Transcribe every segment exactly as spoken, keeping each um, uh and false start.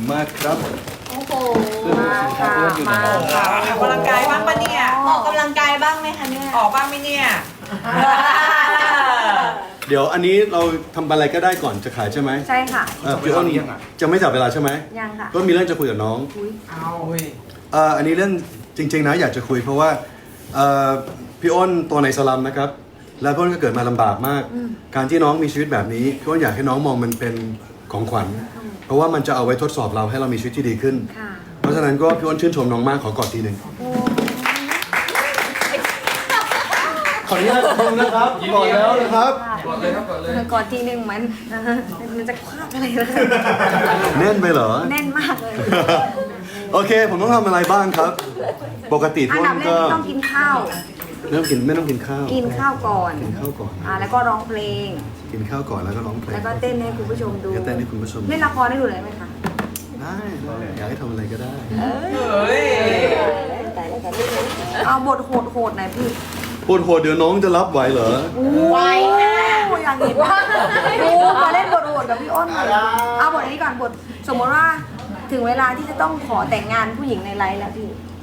มากครับโอ้โหมาค่ะมาค่ะออกกำลังกายบ้างปะเนี่ยออกกำลังกายบ้างไหมคะเนี่ยออกบ้างไหมเนี่ยเดี๋ยวอันนี้เราทำอะไรก็ได้ก่อนจะขายใช่ไหมใช่ค่ะเอ่อพี่อ้นจะไม่จับเวลาใช่ไหมยังค่ะก็มีเรื่องจะคุยกับน้องเอาเอ่ออันนี้เรื่องจริงๆนะอยากจะคุยเพราะว่าเอ่อพี่อ้นตัวในสลัมนะครับแล้วพี่อ้นก็เกิดมาลำบากมาก การที่น้องมีชีวิตแบบนี้พี่อ้นอยากให้น้องมองมันเป็นของขวัญ เพราะว่ามันจะเอาไว้ทดสอบเราให้เรามีชีวิตที่ดีขึ้นค่ะเพราะฉะนั้นก็พี่อ้นชื่นชมน้องมากขอกอดทีหนึ่งขออนุญาตดูนะครับกอดแล้วนะครับกดเลยครับกดเลยกอดทีหนึ่งมันมันจะคว้าอะไรเลยแน่นไปเหรอแน่นมากเลยโอเค ผมต้องทำอะไรบ้างครับ ปกติอัพี่นอ้ดับนแรก็กต้องกินข้าวไม่ต้องกินไม่ต้องกินข้าวกินข้าวก่อนกินข้าวก่อนอ่าแล้วก็ร้องเพลงกินข้าวก่อนแล้วก็ร้องเพลงแล้วก็เต้นให้คุณผู้ชมดูก็เต้นให้คุณผู้ชมเล่นละครได้ดูเลยไหมคะได้ได้อยากให้ทำอะไรก็ได้เฮ้ยเอาบทโหดๆหน่อยพี่ปวดหัวเดี๋ยวน้องจะรับไหวเหรอไวนะโอ้อยากเห็นว่าดูมาเล่นบทโหดกับพี่อ้นเลยเอาบทนี้ก่อนบทสมมติว่าถึงเวลาที่จะต้องขอแต่งงานผู้หญิงในไลฟ์แล้วพี่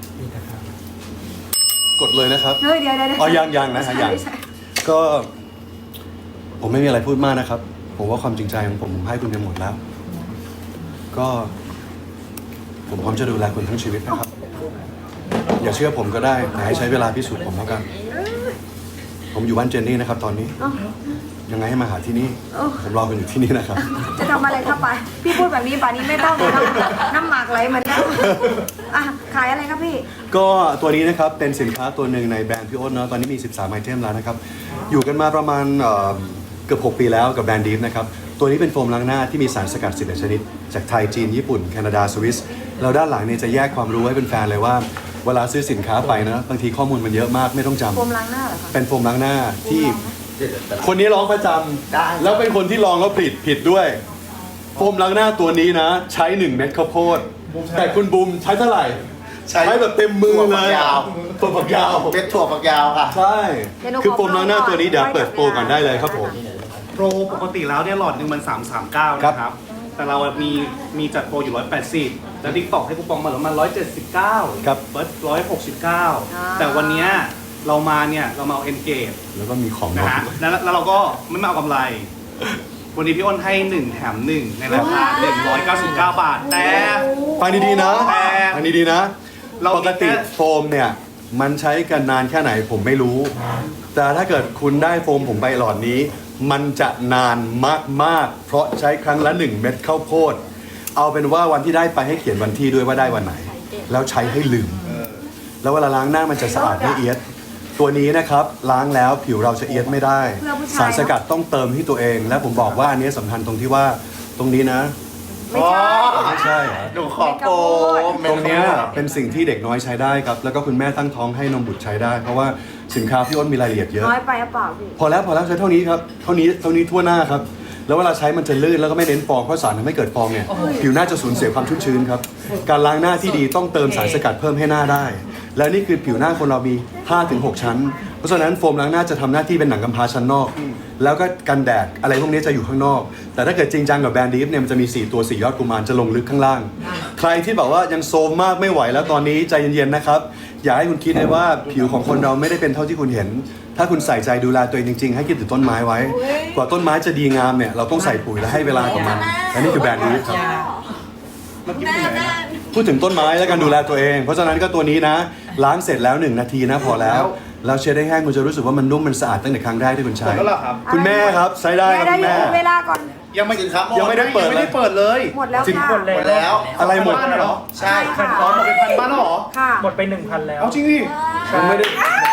กดเลยนะครับเฮ้ยเดี๋ยวเดี๋ยวอ๋อยังยังนะฮะยังใช่ใช่ก็ ผมไม่มีอะไรพูดมากนะครับ ผมว่าความจริงใจของผมผมให้คุณไปหมดแล้ว ก็ ผมพร้อมจะดูแลคุณทั้งชีวิตนะครับ อย่าเชื่อผมก็ได้แต่ให้ใช้เวลาพิสูจน์ผมแล้วกัน ผมอยู่บ้านเจนนี่นะครับ ตอนนี้เอ้ายังไงให้มาหาที่นี่เอ้าผมรอคุณอยู่ที่นี่นะครับจะทำอะไรเข้าไป พี่พูดแบบนี้ป่านนี้ไม่ต้องเลยน้ำน้ำหมากไหลเหมือนกันอ่ะขายอะไรครับพี่ก็ตัวนี้นะครับเป็นสินค้าตัวหนึ่งในแบรนด์พี่อ้นเนาะตอนนี้มีสิบสามไอเทมแล้วนะครับอยู่กันมาประมาณเอ่อเกือบหกปีแล้วกับแบรนด์ดีฟนะครับตัวนี้เป็นโฟมล้างหน้าที่มีสารสกัดสิบเอ็ดชนิดจากไทยจีนญี่ปุ่นแคนาดาสวิสแล้วด้านหลังเนี่ยจะแยกความรู้ให้เป็นแฟนเลยว่าเวลาซื้อสินค้าไปนะบางทีข้อมูลมันเยอะมากไม่ต้องจำโฟมล้างหน้าเหรอคะเป็นโฟมล้างหน้าที่คนนี้ร้องประจำแล้วเป็นคนที่ลองแล้วผิดผิดด้วยโฟมล้างหน้าตัวนี้นะใช้หนึ่งเม็ดข้าวโพดแต่คุณบูมใช้เท่าไหร่ใช้ใช้แบบเต็มมือเลยถั่วฝักยาวถั่วฝักยาวเป็นถั่วฝักยาวค่ะใช่ คือโฟมล้างหน้าตัวนี้เดี๋ยวเปิดโปรก่อนได้เลยครับผมโปรปกติแล้วเนี่ยหลอดหนึ่งมันสามร้อยสามสิบเก้าครับนะครับ แต่เรามีมีจัดโปรอยู่หนึ่งร้อยแปดสิบแล้วทิกตอกให้คูปองมาเหลือประมาณหนึ่งร้อยเจ็ดสิบเก้าครับเฟิร์สหนึ่งร้อยหกสิบเก้าแต่วันเนี้ยเรามาเนี่ยเรามาเอาเอนเกจแล้วก็มีของนะน้องฮะแล้วแล้วเราก็ไม่มาเอากำไร วันนี้พี่อ้นให้หนึ่งแถมหนึ่งในราคาหนึ่งร้อยเก้าสิบเก้าบาท แต่ฟังดีๆนะแต่ฟังดีๆนะเรามีปกติแค่โฟมเนี่ยมันใช้กันนานแค่ไหนผมไม่รู้ แต่ถ้าเกิดคุณได้โฟมผมไปหลอดนี้ มันจะนานมากๆ เพราะใช้ครั้งละหนึ่งเม็ดข้าวโพด เอาเป็นว่าวันที่ได้ไปให้เขียนวันที่ด้วยว่าได้วันไหน แล้วใช้ให้ลืม แล้วเวลาล้างหน้ามันจะสะอาดไม่เอียด ตัวนี้นะครับล้างแล้วผิวเราจะเอียดไม่ได้เพื่อผู้ชายสารสกัดต้องเติมที่ตัวเอง และผมบอกว่าอันนี้สำคัญตรงที่ว่าตรงนี้นะไม่ใช่ไม่ใช่เหรอหนูขอโปรตรงเนี้ยเป็นสิ่งที่เด็กน้อยใช้ได้ครับ แล้วก็คุณแม่ตั้งท้องให้นมบุตรใช้ได้ เพราะว่าสินค้าพี่อ้นมีรายละเอียดเยอะน้อยไปหรือเปล่าพี่พอแล้วพอแล้วใช้เท่านี้ครับ เท่านี้เท่านี้ทั่วหน้าครับ แล้วเวลาใช้มันจะลื่นแล้วก็ไม่เน้นฟองเพราะสารทำให้เกิดฟองเนี่ยผิวหน้าจะสูญเสียความชุ่มชื้นครับ การล้างหน้าที่ดีต้องเติมสารสกัดเพิ่มให้หน้าได้ แล้วนี่คือผิวหน้าคนเรามี ห้าถึงหก ชั้น เพราะฉะนั้นโฟมล้างหน้าจะทำหน้าที่เป็นหนังกำพร้าชั้นนอก แล้วก็กันแดดอะไรพวกนี้จะอยู่ข้างนอก แต่ถ้าเกิดจริงจังกับแบรนด์ดีฟเนี่ยมันจะมีสี่ตัวสี่ยอดกุมารจะลงลึกข้างล่าง ใครที่บอกว่ายังโซมมากไม่ไหวแล้วตอนนี้ใจเย็นๆนะครับอย่าให้คุณคิดเลยว่าผิวของคนเราไม่ได้เป็นเท่าที่คุณเห็น ถ้าคุณใส่ใจดูแลตัวเองจริงๆ ให้คิดถึงต้นไม้ไว้ กว่าต้นไม้จะดีงามเนี่ยเราต้องใส่ปุ๋ยและให้เวลากับมันและนี่คือแบรนด์ดีฟครับเมื่อกี้เป็นไหนนะพูดถึงต้นไม้และการดูแลตัวเอง เพราะฉะนั้นก็ตัวนี้นะ ล้างเสร็จแล้วหนึ่งนาทีนะพอแล้วแล้วเช็ดให้แห้งคุณจะรู้สึกว่ามันนุ่มมันสะอาดตั้งแต่ครั้งแรกที่คุณหมใช้ดแล้วเหรอครับคุณแม่ครับใช้ได้แม่ครับได้คุณอยู่แม่เวลาก่อนยังไม่ถึงครับยังไม่ได้เปิดไม่ได้เปิดเลยหมดแล้วจริงค่ะหมดแล้วอะไรหมดบ้านน่ะเหรอใช่ค่ะอ๋อหมดไปพันบ้านแล้วเหรอค่ะหมดไปหนึ่งพันแล้วเอาจริงดิยังไม่ได้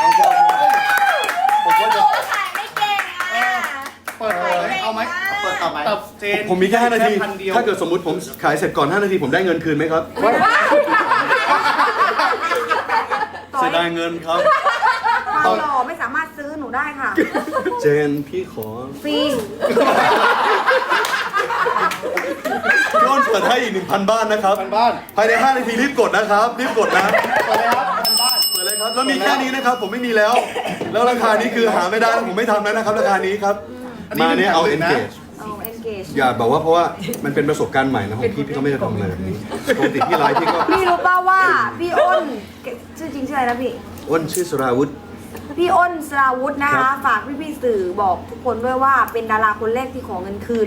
ผมว่าจะขายไม่เก่งอ่ะเปิดเลยเอาไหมเปิดต่อไหมแต่เจนผมมีแค่ห้านาทีพันเดียวถ้าเกิดสมมติผมขายเสร็จก่อนห้านาทีผมได้เงินคืนไหมครับเสียดายเงินครับความหล่อไม่สามารถซื้อหนูได้ค่ะเจนพี่ขอฟรีพี่อ้นเปิดให้อีกหนึ่งพันบ้านนะครับพันบ้านภายในห้านาทีรีบกดนะครับ รีบกดนะเปิดเลยครับพันบ้านเปิดเลยครับ แล้วมีแค่นี้นะครับ ผมไม่มีแล้ว แล้วราคานี้คือหาไม่ได้แล้วผมไม่ทำแล้วนะครับ ราคานี้ครับ มาเนี่ยเอา engage เอาเอ็นเกจอย่าแบบว่าเพราะว่ามันเป็นประสบการณ์ใหม่นะของพี่พี่ก็ไม่ได้ทำอะไรแบบนี้ปกติพี่ไลฟ์พี่ก็พี่รู้ป่าวว่าพี่อ้นชื่อจริงชื่ออะไรนะพี่อ้นชื่อสราวุธพี่อ้นสราวุธนะครัคะบฝากพี่พี่ๆสื่อบอกทุกคนด้วยว่าเป็นดาราคนแรกที่ขอเงินคืน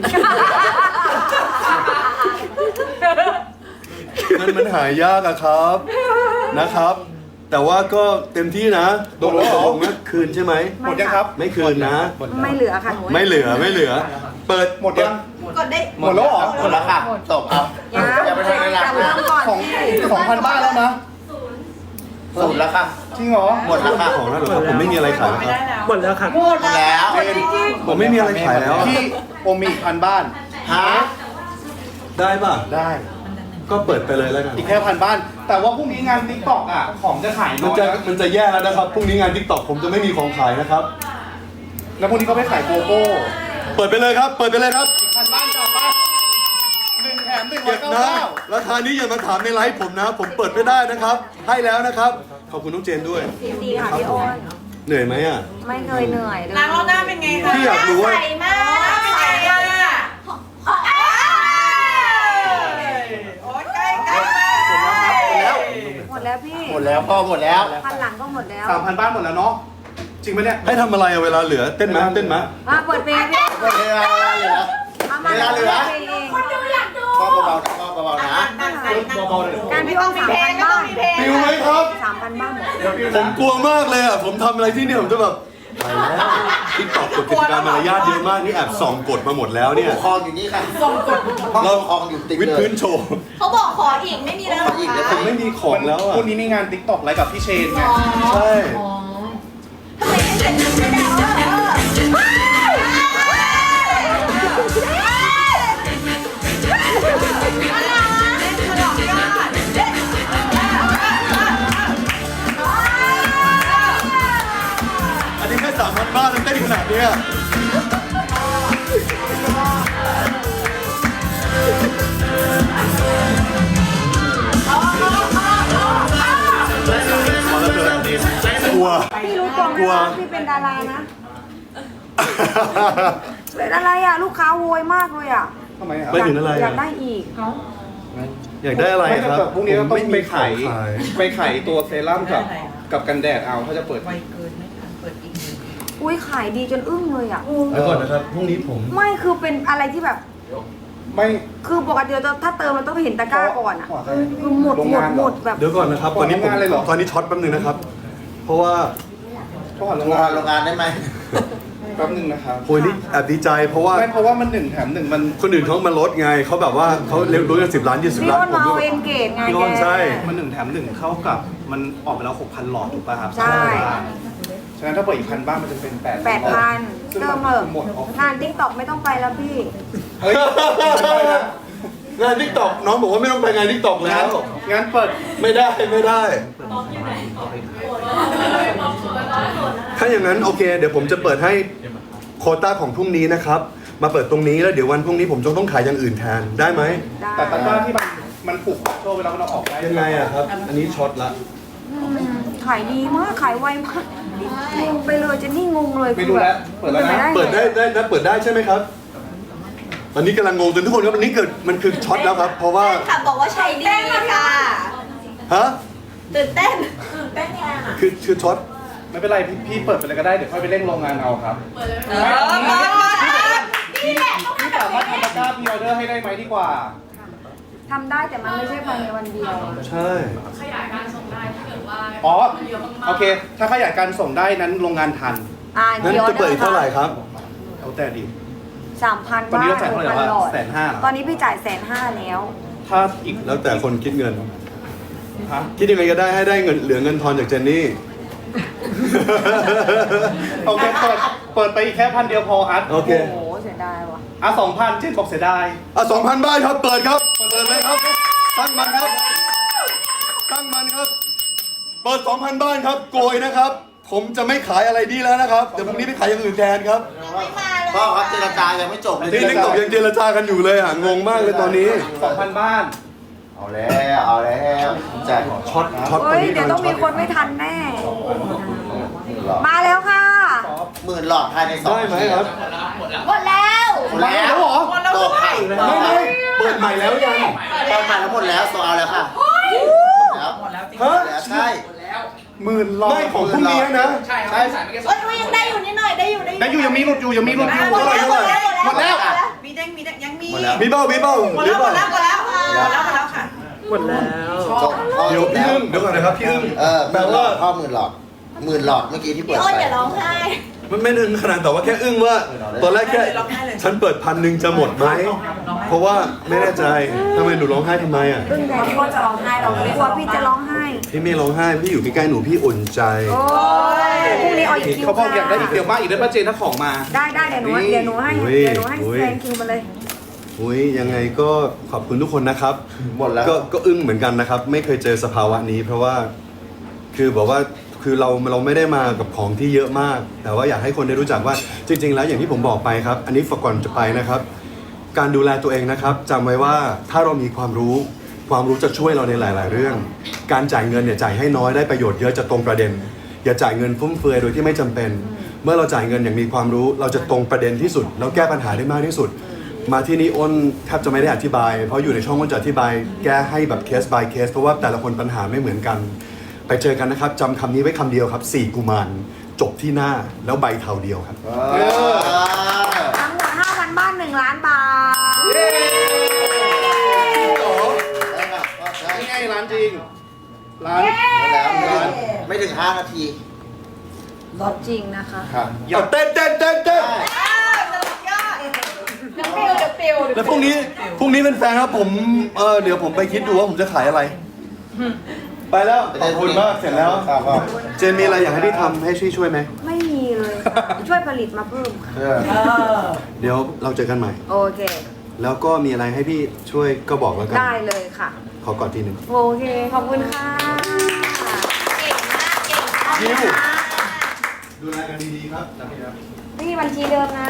มันมันหายากอะครับนะครับ แต่ว่าก็เต็มที่นะโดนแล้วลงนะคืนใช่ไหมหมดยังครับไม่คืนนะไม่เหลือค่ะหนูไม่เหลือไม่เหลือ เปิดหมดยังกดได้หมดแล้วเหรอหมดแล้วค่ะจบเอายังอย่าไปทำเวลาจะเริ่มก่อนของพี่สองพันบ้านแล้วนะสูตรแล้วค่ะจริงเหรอหมดแล้วค่ะของแล้วเหรอครับผมไม่มีอะไรขายไม่คได้รับแล้วหมดแล้วครับหมดแล้วผมไม่มีอะไรขายแล้วอะพี่โอมีอีกพันบ้านฮะได้ป่ะได้ก็เปิดไปเลยแล้วกันอีกแค่พันบ้าน แต่ว่าพรุ่งนี้งานติ๊กต็อกอ่ะ ของจะขายมันน้อยจะนะมันจะแย่แล้วนะครับพรุ่งนี้งานทิกตอกผมจะไม่มีของขายนะครับแล้วพรุ่งนี้ก็ไปขายโกโก้เปิดไปเลยครับ เปิดไปเลยครับพันบ้านกลับไปหนึ่งแถมหนึ่งร้อเก็ยบเก้านะเก้าราคานี้อย่ามาถามในไลฟ์ผมนะ ผมเปิดไม่ได้นะครับ ให้แล้วนะครับ ขอบคุณน้องเจนด้วยดีค่ะพี่อ้นเหนื่อยไหมอ่ะไม่เคยเหนื่อยเลยล้างรอบหน้าเป็นไงคะพี่อยากรู้ว่าใสมากใส่เลยอ่ะโอ๊ยใกล้ใกล้มากหมดแล้วพี่หมดแล้วพ่อหมดแล้วพันหลังก็หมดแล้วสามพันบ้านหมดแล้วเนาะ จริงไหมเนี่ยให้ทำอะไรอะเวลาเหลือเต้นไหมเต้นไหมมาเปิดเพลงพี่หมดเวลาเหลือเอามาเวลาเหลือเพลงเองคนดูอยากดูพ่อเบาๆนะพ่อเบาๆนะเบาๆเลยการพี่อ้นสามพันบ้านปิวไหมครับสามพันบ้านหมดผมกลัวมากเลยอ่ะ ผมทำอะไรที่เนี่ยผมจะแบบตายแล้วทิกตอกกฎกติกามารยาทเยอะมาก นี่แอบส่องกฎมาหมดแล้วเนี่ยคลองอยู่นี่ค่ะห้องปกครองอยู่ติดวิดเลพื้ยนโชว์เขาบอกขออีกไม่มีแล้วขออีกเดี๋ยวผมไม่มีของแล้วอ่ะพรุ่งนี้มีงานติ๊กต็อกไลฟ์กับพี่เชนไงใช่ทำไมไม่เป็นไม่ได้เอออันนี้แค่สามพันบ้านแล้วเต้นขนาดเนี้ยกลัวพี่รู้ตัวไหมกลัวว่าพี่เป็นดารานะ เป็นอะไรอ่ะ ลูกค้าโวยมากเลยอ่ะทำไมครับไม่ถึงอะไรอยาอ่ะกได้อีกอยากได้อะไรไม่ครับแต่พรุ่งนี้เราต้องไปขายผมม่มีของขายไปขายตัวเซรั่มกับกับกันแดดเอาถ้าจะเปิดไวเกินไม่ทันเปิดอีกหนึ่งอุ้ยขายดีจนอึ้งเลยอ่ะแล้วก่อนนะครับพรุ่งนี้ผมไม่คือเป็นอะไรที่แบบไม่คือปกติเราถ้าเติมมันต้องเห็นตะกร้าก่อนอ่ะขอใครคือหมดโรงหมดงานเหรอหมดแบบเดี๋ยวก่อนนะครับ ตอนนี้ผมโรงงานเลยเหรอตอนนี้ช็อตแป๊บนึงนะครับ เพราะว่าโทรหาโรโรงงงางาน นโรงงานได้ไหมแป๊บนึงนะครับโอ้ยนี่แอบดีใจเพราะว่าไม่เพราะว่ามันหนึ่งแถมหนึ่งมันคนอื่นเขามาลดไงเขาแบบว่าเขาเร็วรู้กันสิบล้านยี่สิบพี่ล้านอ้นผมมาเอาก็เอนเกตไงพี่แกอ้นใช่มันหนึ่งแถมหนึ่งเข้ากับมันออกไปแล้วหกพันหลอดถูกป่ะครับใช่ฉะนั้นถ้าเปิดอีกพันบ้านมันจะเป็นแปดแปดพันซึ่งเติมัมนเถอะหมดออกงานทิกตอกไม่ต้องไปแล้วพี่เฮ้ยไม่ได้นะงานทิกตอกน้องบอกว่าไม่ต้องไปงานทิกตอกแล้งั้นวงั้นเปิดไม่ได้ไม่ได้ ถ้าอย่างนั้นโอเค เดี๋ยวผมจะเปิดให้โควต้าของพรุ่งนี้นะครับ มาเปิดตรงนี้แล้วเดี๋ยววันพรุ่งนี้ผมจะต้องขายอย่างอื่นแทนได้ไหมได้แต่ตะกร้าที่มันมันผูกโชว์เวลามันเอาออกได้ยังไงอะครับ อันนี้ช็อตละอืมขายดีมากขายไวมากงงไปเลยเจะนี่งงเลยไม่รู้แล้วเปิดแล้วนะเปิดได้ได้นะเปิดได้ใช่ไหมครับ ตอนนี้กำลังงงจนทุกคนครับอันนี้เกิดมันคือช็อตแล้วครับ เพราะว่าแฟนคลับบอกว่าใช้ดีค่ะฮะตื่นเต้นตื่นเต้นแทนอ่ะคือคือช็อตไม่เป็นไรพี่พี่เปิดไปเลยก็ได้เดี๋ยวค่อยไปเร่งโรงงานเอาครับเออมานี่แหละพี่สามารถทำตะกร้าพรีออเดอร์ให้ได้ไหมดีกว่าทำได้แต่มันไม่ใช่ภายในวันเดียวใช่อ๋อโอเค ถ้าขยายการส่งได้นั้นโรงงานทันอ่างั้นเดี๋ยวจะเปิดอีกเท่าไหร่ครับเอาแต่ดิสามพันตอนนี้บ้าเราจ่ายหเท่าก ไหร่พันวะหลอดแสนห้าเหรอตอนนี้พี่จ่ายแสนห้าแล้วถ้าอีกแล้วแต่คนคิดเงินฮะคิดยังไงก็ได้ให้ได้เงินเหลือเงินทอนจากเจนนี่โอเคเปิดเปิดไปอีกแค่พันเดียวพออัดโอเคโอ้โหเสียดายว่ะอ่ะสองพันเช่นบอกเสียดายอ่ะสองพันบ้านครับ เปิดครับ เปิดเลยครับ ตั้งมันครับ ตั้งมันครับ เปิดสองพันบ้านครับ โกยนะครับ ผมจะไม่ขายอะไรดีแล้วนะครับ เดี๋ยวพรุ่งนี้ไปขายอย่างอื่นแทนครับไม่มาเลยพ่อครับเจรจายังไม่จบเลยที่ทิกตอกยังเจรจากันอยู่เลยอ่ะ งงมากเลยตอนนี้สองพันบ้านเอาแล้วเอาแล้วจ่ายช็อต ช็อตตอนเฮ้ยนี้เดี๋ยวต้องมีคนไม่ทันแน่หลอดมาแล้วค่ะหมื่นหลอดภายในสองได้ไหมครับหมดแล้วผหมดแล้วหมดแล้วตด้กวยค่ะไม่ไม่เปิดใหม่แล้วยังตอนมาแล้วหมดแล้วโซเอาแล้วค่ะแล้วหมดแล้วจริงฮะแล้วใช่หมื่นลอยของพรุ่งนี้นะใช่ครับใช่ใส่ไม่แค่สเอ้อย งมันยังได้อยู่นิดหน่อยได้อยู่ได้อยู่แต่อยู่ยังมีหลุดอยู่ยังมีหลุดอยู่หมดแล้วหมดแล้วหมดแล้วมีแดงมีแดงยังมีหมดแล้วมีเบ้ามีเบ้าหมดหรืแล้อวหเปมดล่าแล้วหมดแล้วค่ะหมดแล้วหมดแล้วค่ะจบพ่อเดี๋ยวจบพี่แล้วอึ้งเดี๋ยวก่อนนะครับพี่อึ้งเออหแปลมื่นหลว่าอดพ่อหมื่นหลอดหมื่นหลอดเมื่อกี้ที่เปิพี่ดอ้นไปอย่าร้องไห้มันไม่ถึงขนาดแต่ว่าแค่อึ้งว่า ตอนแรกแค่ฉันเปิดพันหนึ่งจะหมดไหมเพราะว่าไม่แน่ใจทำไมหนูร้องไห้ทำไมอ่ะอึ้งแต่พี่ก็จะร้องไห้เราไม่กลัวพี่จะร้องไห้พี่ไม่ร้องไห้พี่อยู่ใกล้ๆหนูพี่อุ่นใจโอ้ยพรุ่งนี้เอาอีกคิวเขาบอกอยากได้อีกค่ะเดี๋ยวมาอีกได้ป้าเจนถ้าของมาได้ได้เดี๋ยวหนูเดี๋ยวหนูให้อุ้ยเดี๋ยวหนูให้อุ้ยแซงคิวมาเลยอุ้ยยังไงก็ขอบคุณทุกคนนะครับหมดแล้วก็ก็อึ้งเหมือนกันนะครับ ไม่เคยเจอสภาวะนี้ เพราะว่าคือบอกว่าคือเราเราไม่ได้มากับของที่เยอะมาก แต่ว่าอยากให้คนได้รู้จักว่าจริง ๆ แล้วอย่างที่ผมบอกไปครับ อันนี้ฝากก่อนจะไปนะครับ การดูแลตัวเองนะครับจำไว้ว่าถ้าเรามีความรู้ ความรู้จะช่วยเราในหลาย ๆ เรื่อง การจ่ายเงินเนี่ยจ่ายให้น้อยได้ประโยชน์เยอะจะตรงประเด็น อย่าจ่ายเงินฟุ่มเฟือยโดยที่ไม่จำเป็น เมื่อเราจ่ายเงินอย่างมีความรู้ เราจะตรงประเด็นที่สุดแล้วแก้ปัญหาได้มากที่สุด มาที่นี่อ้นแทบจะไม่ได้อธิบาย เพราะอยู่ในช่องอ้นจะอธิบายแก้ให้แบบเคส by เคสเพราะว่าแต่ละคนปัญหาไม่เหมือนกัน ไปเจอกันนะครับจำคำนี้ไว้คำเดียวครับสี่กุมารจบที่หน้าแล้วใบเทาเดียวครับเออทั้งหมดห้าพันบ้านหนึ่งล้านบาทได้ค่ะก็ได้นี่ไงร้านจริง ร้านแล้วร้านไม่ถึงห้านาทีรถจริงนะคะค่ะเอาเต้นเต้นเต้นเต้นเดี๋ยวปิวเดี๋ยวปิวแล้วพรุ่งนี้พรุ่งนี้เป็นแฟนครับผมเออเดี๋ยวผมไปคิดดูว่าผมจะขายอะไร ไปแล้วขอบคุณมากเสร็จแล้วครับพ่อเจนมีอะไรอยากให้ที่ทำให้ช่วยช่วยไหมไม่มีเลยค่ะช่วยผลิตมาเพิ่มค่ะเออเออเดี๋ยวเราเจอกันใหม่โอเคแล้วก็มีอะไรให้พี่ช่วยก็บอกแล้วกันได้เลยค่ะขอกอดทีหนึ่งโอเค ขอบคุณค่ะเก่งมากเก่งมากยิ้ว ดูแลกันดีๆครับจำไว้ครับนี่บัญชีเดิมนะ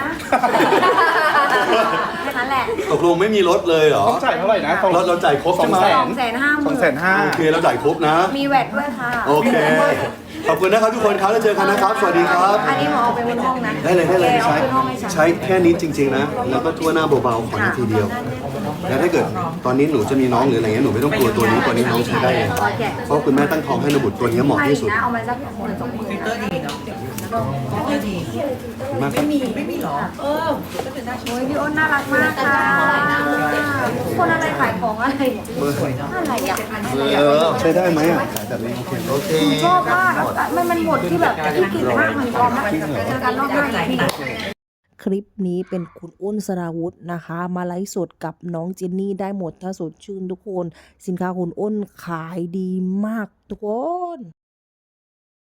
แค่นั้นแหละตกลงไม่มีรถเลยเหรอต้องจ่ายเท่าไหร่นะเราเราจ่ายครบใช่ไหมสองแสนห้าหสอมื่งนแสนห้าโอเคเราจ่ายครบนะมีแวดด้วยค่ะโอเค ขอบคุณนะครับทุกคนครับแล้วเจอกันนะครับ สวัสดีครับอันนี้หมอเอาไปบนห้องนะได้เลยได้เลยแกเอาใช้ขึ้นห้องให้ฉันใช้แค่นี้จริง ๆ นะ แล้วก็ทั่วหน้าเบาๆขอนาทีเดียว แล้วถ้าเกิดตอนนี้หนูจะมีน้องหรืออะไรเงี้ยหนูไม่ต้องกลัวตัวนี้ตัวนี้น้องใช้ได้เลยเพราะคุณแม่ตั้งท้องให้ระบุตัวนี้เหมาะที่สุดนะเอามาสักหมื่นสองหมื่นฟิลเตอร์ดีเนาะฟิลเตอร์ดีขอบคุณมากครับไม่มีไม่มีหรอ เออก็เป็นหน้าโอ้ยพี่อ้นน่ารักมากค่ะคนอะไรขายของอะไรอะไรอ่ะเออใช้ได้ไหมอ่ะขายแบบนี้โอเคโอเคชอบมากมันมันหมดที่แบบที่กินมากมันกรอบมากเจอกันรอบหน้าอีกทีคลิปนี้เป็นคุณอ้นสราวุธนะคะ มาไลฟ์สดกับน้องเจนนี่ได้หมดถ้าสดชื่นทุกคน สินค้าคุณอ้นขายดีมากทุกคน